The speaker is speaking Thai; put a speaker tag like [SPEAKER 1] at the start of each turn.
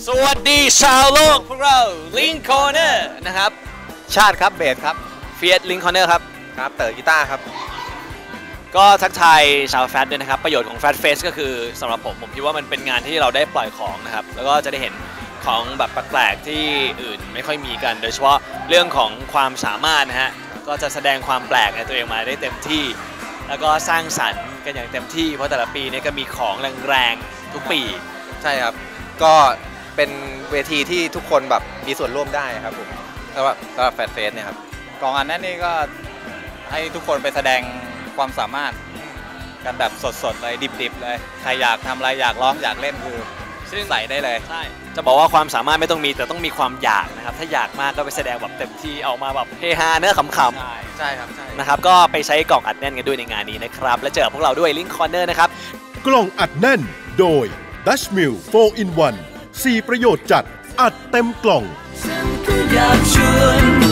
[SPEAKER 1] สวัสดีชาวโลกพวกเราลิงคอร์เนอร์นะครับ
[SPEAKER 2] ชาติครับเบสครับ
[SPEAKER 1] เฟียสลิงคอร์เนอร์ครับ
[SPEAKER 2] ครับเต๋อกีตาร์ครับ
[SPEAKER 1] ก็ทักทายชาวแฟตด้วยนะครับประโยชน์ของแฟตเฟสก็คือสำหรับผมคิดว่ามันเป็นงานที่เราได้ปล่อยของนะครับแล้วก็จะได้เห็นของแบบแปลกๆที่อื่นไม่ค่อยมีกันโดยเฉพาะเรื่องของความสามารถนะฮะก็จะแสดงความแปลกในตัวเองมาได้เต็มที่แล้วก็สร้างสรรค์กันอย่างเต็มที่เพราะแต่ละปีนี้ก็มีของแรงๆทุกปี
[SPEAKER 2] ใช่ครับก็เป็นเวทีที่ทุกคนแบบมีส่วนร่วมได้ครับผมสำหรับแฟตเฟสเนี่ยครับ
[SPEAKER 3] กองอันนั้นนี่ก็ให้ทุกคนไปแสดงความสามารถกันแบบสดๆเลยดิบๆเลยใครอยากทำอะไรอยากร้องอยากเล่นคือใส่ได้เลย
[SPEAKER 1] ใช่จะบอกว่าความสามารถไม่ต้องมีแต่ต้องมีความอยากนะครับถ้าอยากมากก็ไปแสดงแบบเต็มที่ออกมาแบบเฮฮาเนื้อขำ
[SPEAKER 2] ๆใช่ครับใช่
[SPEAKER 1] นะครับก็ไปใช้กล่องอัดแน่นกันด้วยในงานนี้นะครับและเจอพวกเราด้วยลิงค์คอร์เนอร์นะครับ
[SPEAKER 4] กล่องอัดแน่นโดย Dutch Mill 4 in 1 4 ประโยชน์จัดอัดเต็มกล่อง
[SPEAKER 5] ฉันก็อยากชวน